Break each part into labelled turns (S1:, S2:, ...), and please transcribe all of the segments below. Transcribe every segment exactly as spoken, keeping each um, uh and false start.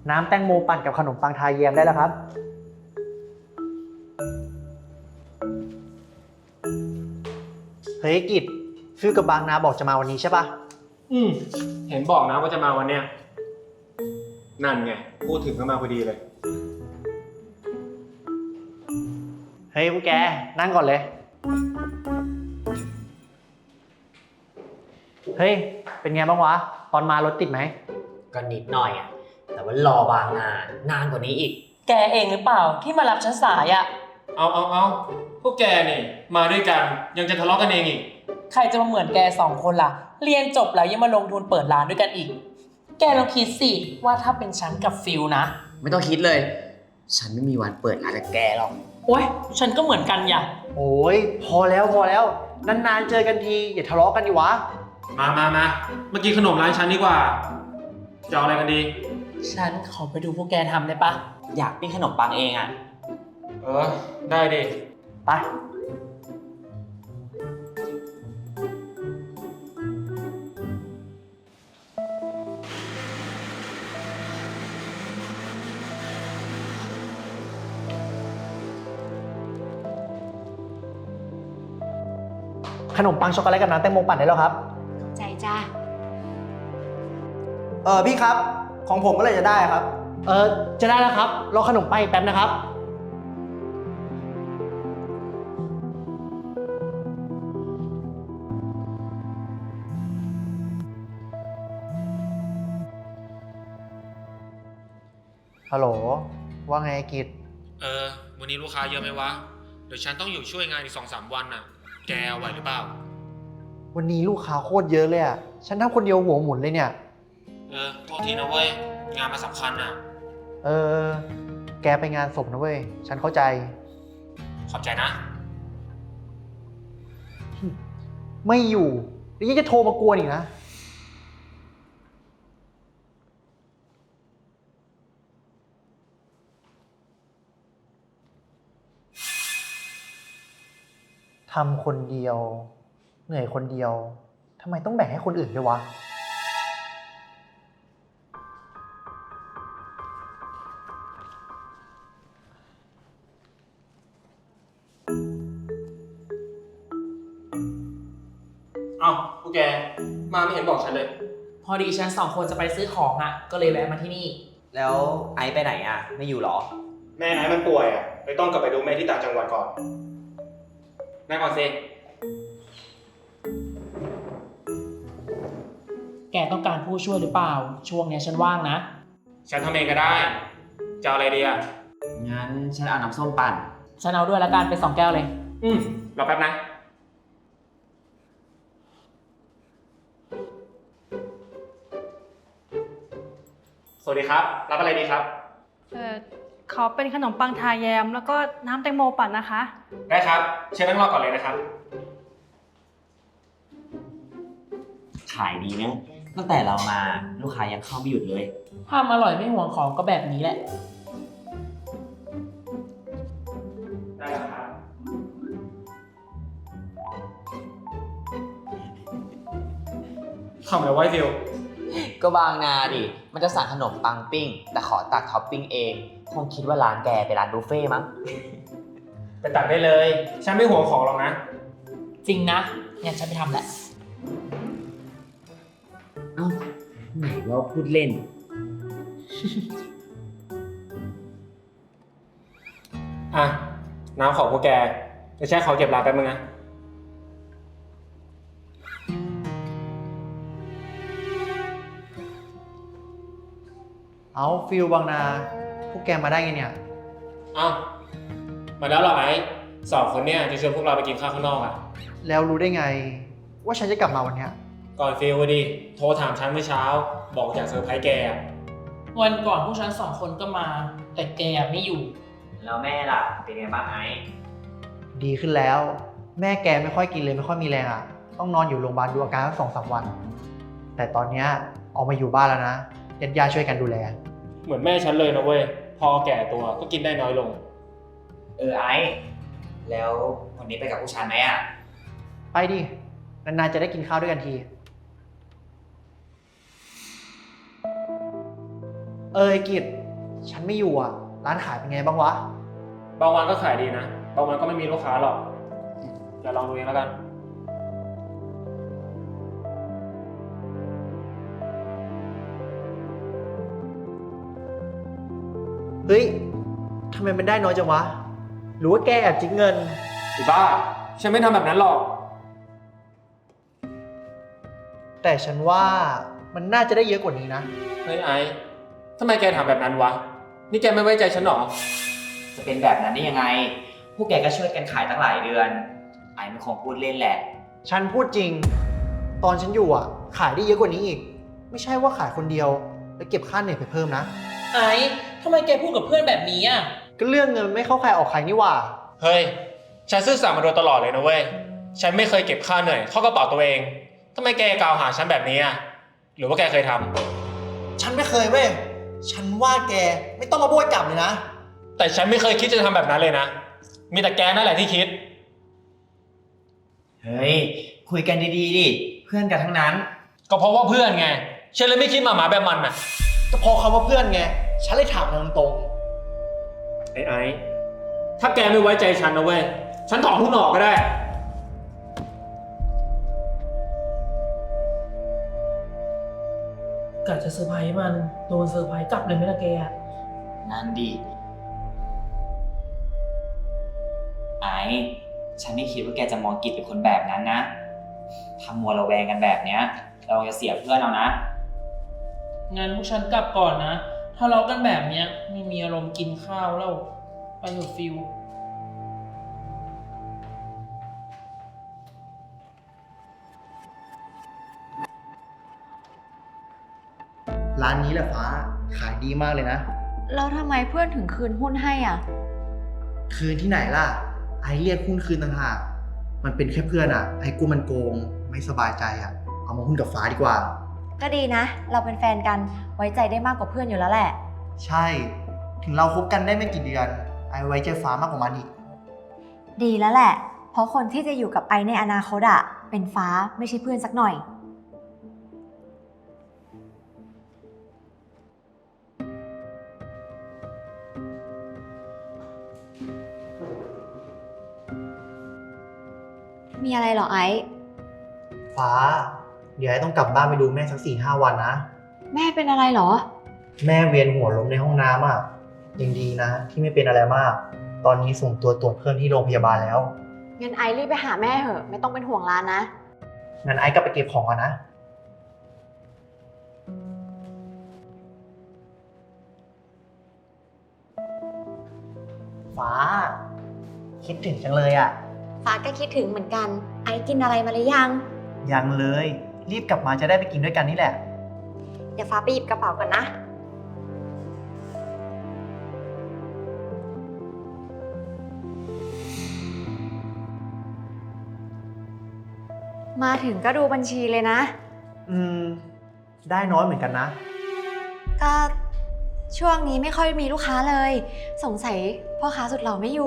S1: น้ำแตงโมปั่นกับขนมปังทาแยมได้แล้วครับเฮ้ยกิจฟิวกับบางนาบอกจะมาวันนี้ใช่ปะ
S2: อืมเห็นบอกนะว่าจะมาวันเนี้ยนั่นไงพูดถึงก็มาพอดีเลย
S1: เฮ้ยพวกแกนั่งก่อนเลยเฮ้ยเป็นไงบ้างวะตอนมารถติดไหม
S3: ก็นิดหน่อยอ่ะแต่ว่ารอบางนานนานกว่านี้อีก
S4: แกเองหรือเปล่าที่มารับฉันสายอะ
S2: เอาเอาเอาพวกแกนี่มาด้วยกันยังจะทะเลาะกันเองอีก
S4: ใครจะมาเหมือนแกสองคนล่ะเรียนจบแล้วยังมาลงทุนเปิดร้านด้วยกันอีกแกลองคิดสิว่าถ้าเป็นฉันกับฟิลนะ
S3: ไม่ต้องคิดเลยฉันไม่มีวันเปิดร้านกับแกหรอก
S4: โอ๊ยฉันก็เหมือนกันอย่า
S1: โอ้ยพอแล้วพอแล้วนานๆเจอกันทีอย่าทะเลาะกันดิวะ
S2: มามามาเมื่อกี้ขนมร้านฉันดีกว่าจะเอาอะไรกันดี
S4: ฉันขอไปดูพวกแกทำได้ปะ
S3: อยากปิ้งขนมปังเองอ่ะ
S2: เออได้ดิ
S1: ไปขนมปังช็อกโกแลตกับน้ำแตงโมปั่นได้แล้วครับ
S5: ใจจ้า
S1: เออพี่ครับของผมก็เลยจะได้ครับเออจะได้แล้วครับรอขนมปังอีกแป๊บนะครับฮัลโหลว่าไงกิจ
S2: เออวันนี้ลูกค้าเยอะไหมวะเดี๋ยวฉันต้องอยู่ช่วยงานอีกสองสามวันน่ะแกไหวหรือเปล่า
S1: วันนี้ลูกค้าโคตรเยอะเลยอ่ะฉันทำคนเดียวหัวหมุนเลยเนี่ย
S2: เออโทษทีนะเว้ยงานมาสำคัญน่ะ
S1: เออแกไปงานศพนะเว้ยฉันเข้าใจ
S2: ขอบใจนะ
S1: ไม่อยู่แล้วยังจะโทรมากวนอีกนะทำคนเดียวเหนื่อยคนเดียวทำไมต้องแบ่งให้คนอื่นด้วยวะ
S2: เอ้าพวกแกมาไม่เห็นบอกฉันเลย
S4: พอดีฉันสองคนจะไปซื้อของอ่ะก็เลยแวะมาที่นี่
S3: แล้วไอซ์ไปไหนอ่ะไม่อยู่หรอ
S2: แม่ไอ้มันป่วยอ่ะเลยต้องกลับไปดูแม่ที่ต่างจังหวัดก่อนนั่งก่อนสิ
S4: แกต้องการผู้ช่วยหรือเปล่าช่วงนี้ฉันว่างนะ
S2: ฉันทำเองก็ได้จะเอาอะไรดีอ่ะ
S3: งั้นฉันเอาน้ำส้มปั่น
S4: ฉันเอาด้วยละกันไปสองแก้วเลย
S2: อืมรอแป๊บนะสวัสดีครับรับอะไรดีครับ
S5: เอ่อขอเป็นขนมปังทาแยมแล้วก็น้ำแตงโมปั่นนะคะ
S2: ได้ครับเชิญนั่งรอก่อนเลยนะครับ
S3: ขายดีนะตั้งแต่เรามาลูกค้ายังเข้าไม่หยุดเลย
S4: ทำอร่อยไม่ห่วงของก็แบบนี้แหละ
S2: ได้ครับทำอะไรไว้ฟิว
S3: ก็บางนาดิมันจะสั่งขนมปังปิ้งแต่ขอตักท็อปปิ้งเองคงคิดว่าร้านแกเป็นร้านบุฟเฟ่มั้ง
S2: ไปตักได้เลยฉันไม่ห่วงของหรอกนะ
S4: จริงนะงั้นฉันไปทำแหละ
S3: เอ้าไหนว่าพูดเล่น
S2: อ่ะน้ำของพวกแกเดี๋ยวฉันขอเก็บร้านแป๊บนึงนะ
S1: เอาฟิลบางนาพวกแกมาได้ไงเนี่ย
S2: เอ้ามาแล้วเหรอไอ้สองคนเนี่ยจะชวนพวกเราไปกินข้าวข้างนอกอ่ะ
S1: แล้วรู้ได้ไงว่าฉันจะกลับมาวันเนี้ย
S2: ก่อนฟิลดิโทรถามฉันเมื่อเช้าบอกอยากเซอร์ไพรส์แก
S4: วันก่อนพวกฉันสองคนก็มาแต่แกไม่อยู่
S3: แล้วแม่ล่ะเป็นไงบ้างไอ้
S1: ดีขึ้นแล้วแม่แกไม่ค่อยกินเลยไม่ค่อยมีแรงอ่ะต้องนอนอยู่โรงพยาบาลดูอาการสักสองสามวันแต่ตอนเนี้ยออกมาอยู่บ้านแล้วนะญาติญาติช่วยกันดูแล
S2: เหมือนแม่ฉันเลยนะเว้ยพอแก่ตัวก็กินได้น้อยลง
S3: เออไอ้แล้ววันนี้ไปกับผู้ชายไหมอ่ะ
S1: ไปดินานๆจะได้กินข้าวด้วยกันทีเออไอ้กิจฉันไม่อยู่อ่ะ ร้านขายเป็นไงบ้างวะ
S2: บางวันก็ขายดีนะ บางวันก็ไม่มีลูกค้าหรอกอย่าลองดูเองแล้วกัน
S1: เฮ้ยทำไมมันได้น้อยจังวะ หรือว่าแกแอบจิกเงิน
S2: ไอ้บ้า ฉันไม่ทำแบบนั้นหรอก
S1: แต่ฉันว่ามันน่าจะได้เยอะกว่านี้นะ
S2: เฮ้ยไอ้ทำไมแกถามแบบนั้นวะ นี่แกไม่ไว้ใจฉันหรอ
S3: จะเป็นแบบนั้นได้ยังไง พวกแกก็ช่วยกันขายตั้งหลายเดือน ไอ้มันคงพูดเล่นแหละ
S1: ฉันพูดจริง ตอนฉันอยู่อ่ะ ขายได้เยอะกว่านี้อีก ไม่ใช่ว่าขายคนเดียว แล้วเก็บค่าเหนื่อยไปเพิ่มนะ
S4: ไอ้ทำไมแกพูดกับเพื่อนแบบนี้อ่ะ
S1: ก็เรื่องเงินมันไม่เข้าใครออกใครนี่หว่า
S2: เฮ้ย ฉันซื่อสัตย์มาโดยตลอดเลยนะเว้ย ฉันไม่เคยเก็บค่าเหนื่อยเข้ากระเป๋าตัวเองทำไมแกกล่าวหาฉันแบบนี้อ่ะ หรือว่าแกเคยทำ
S1: ฉันไม่เคยเว้ย ฉันว่าแกไม่ต้องมาโบยกลับเลยนะ
S2: แต่ฉันไม่เคยคิดจะทำแบบนั้นเลยนะ มีแต่แกนั่นแหละที่คิด
S3: เฮ้ย คุยกันดีๆดิ เพื่อนกันทั้งนั้น
S2: ก็เพราะว่าเพื่อนไง ฉันเลยไม่คิดมาหมาแบบมันน่ะ
S1: ก็พอคำว่าเพื่อนไง ฉันเลยถามตรง
S2: ไอ้ไอ้ ถ้าแกไม่ไว้ใจฉันนะเว้ย ฉันถอนหุ้นออกก็ได้
S4: กะจะเซอร์ไพรส์มันโดนเซอร์ไพรส์กลับเลยไหมล่ะแกอะ
S3: นั่นดิ ไอ้ ฉันไม่คิดว่าแกจะมองกิจเป็นคนแบบนั้นนะทำมัวระแวงกันแบบเนี้ย เราจะเสียเพื่อนเอานะ
S4: งั้นพวกฉันกลับก่อนนะทะเลาะกันแบบเนี้ยไม่มีอารมณ์กินข้าวแล้ว ไปเถอะฟิล
S1: ๆ ร้านนี้แหละฟ้า ขายดีมากเลยนะ
S6: แล้วทำไมเพื่อนถึงคืนหุ้นให้อ่ะ
S1: คืนที่ไหนล่ะ ไอเรียกหุ้นคืนต่างหาก มันเป็นแค่เพื่อนอ่ะ ไอกูมันโกง ไม่สบายใจอ่ะ เอามาหุ้นกับฟ้าดีกว่า
S6: ก็ดีนะ เราเป็นแฟนกัน ไว้ใจได้มากกว่าเพื่อนอยู่แล้วแหละ
S1: ใช่ ถึงเราคบกันได้ไม่กี่เดือน ไอไว้ใจฟ้ามากกว่ามันอีก
S6: ดีแล้วแหละ เพราะคนที่จะอยู่กับไอในอนาคตอ่ะ เป็นฟ้าไม่ใช่เพื่อนสักหน่อย มีอะไรเหรอไอซ์
S1: ฟ้า เดี๋ยวไอต้องกลับบ้านไปดูแม่สักสี่ห้าวันนะ
S6: แม่เป็นอะไรเหรอ
S1: แม่เวียนหัวล้มในห้องน้ำอ่ะ ยังดีนะ ที่ไม่เป็นอะไรมาก ตอนนี้ส่งตัวตรวจเพิ่มที่โรงพยาบาลแล้ว
S6: งั้นไอซ์รีบไปหาแม่เถอะ ไม่ต้องเป็นห่วงร้านนะ
S1: งั้นไอกลับไปเก็บของก่อนนะ ฟ้า คิดถึงจังเลยอ่ะ
S6: ฟ้าก็คิดถึงเหมือนกัน ไอซ์กินอะไรมาหรือยัง
S1: ยังเลย รีบกลับมาจะได้ไปกินด้วยกันนี่แหละ
S6: เดี๋ยวฟ้าไปหยิบกระเป๋าก่อนนะ มาถึงก็ดูบัญชีเลยนะ
S1: อืม ได้น้อยเหมือนกันนะ
S6: ก็ช่วงนี้ไม่ค่อยมีลูกค้าเลย สงสัยพ่อค้าสุดหล่อไม่อยู่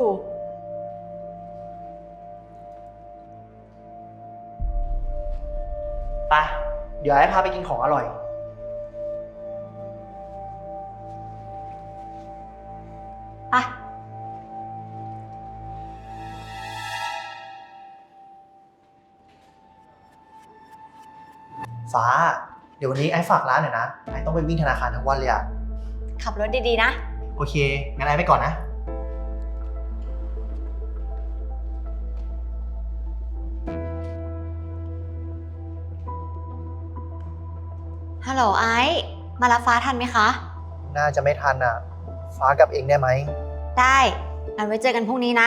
S1: ไป เดี๋ยวไอ้พาไปกินของอร่อย
S6: ไป
S1: ฟ้า เดี๋ยววันนี้ไอ้ฝากร้านหน่อยนะ ไอ้ต้องไปวิ่งธนาคารทั้งวันเลยอะ
S6: ขับรถดีๆนะ
S1: โอเค งั้นไอ้ไปก่อนนะ
S6: ฮัลโหลไอซ์มารับฟ้าทันไหมคะ
S1: น่าจะไม่ทันอ่ะ ฟ้ากลับเองได้ไหม
S6: ได้งั้นไว้เจอกันพรุ่งนี้นะ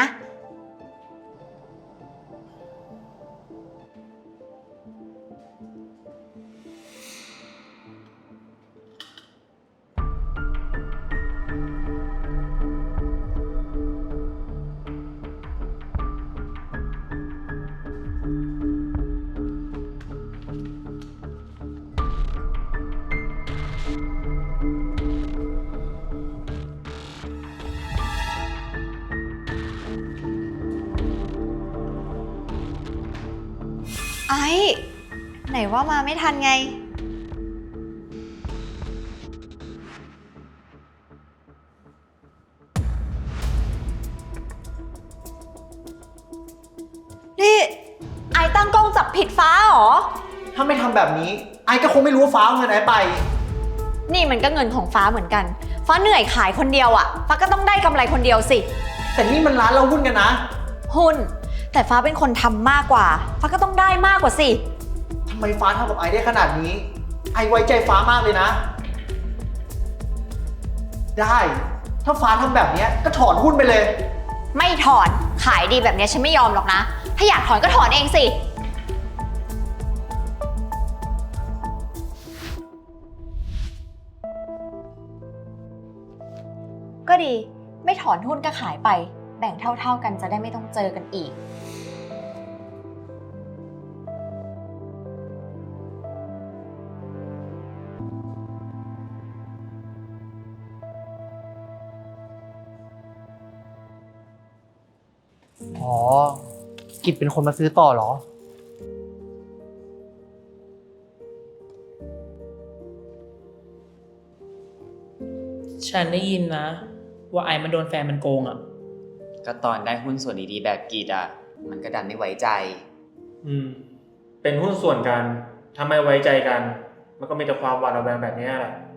S6: ไอ้ไหนว่ามาไม่ทันไงผิดฟ้าเหรอ
S1: ถ้าไม่ทำแบบนี้ไอ้ก็คงไม่รู้ว่าฟ้าเอาเงินไอ้ไป
S6: นี่มันก็เงินของฟ้าเหมือนกัน ฟ้าเหนื่อยขายคนเดียวอะฟ้าก็ต้องได้กำไรคนเดียวสิ
S1: แต่นี่มันร้านเราหุ้นกันนะ
S6: หุ้น แต่ฟ้าเป็นคนทำมากกว่า ฟ้าก็ต้องได้มากกว่าสิ
S1: ทำไมฟ้าทำกับไอ้ได้ขนาดนี้ ไอ้ไว้ใจฟ้ามากเลยนะ ได้ ถ้าฟ้าทำแบบนี้ก็ถอนหุ้นไปเลย
S6: ไม่ถอน ขายดีแบบนี้ฉันไม่ยอมหรอกนะ ถ้าอยากถอนก็ถอนเองสิ ก็ดี ไม่ถอนหุ้นก็ขายไป แบ่งเท่าๆกันจะได้ไม่ต้องเจอกันอีก
S1: อ๋อ กิจเป็นคนมาซื้อต่อเหรอ
S4: ฉันได้ยินนะ ว่าไอ้มันโดนแฟนมันโกงอ่ะ
S3: ก็ตอนได้หุ้นส่วนดีๆแบบกีดอ่ะ มันก็ดันไม่ไว้ใจ
S2: อืม เป็นหุ้นส่วนกัน ถ้าไม่ไว้ใจกัน มันก็มีแต่ความหวาดระแวงแบบนี้แหละ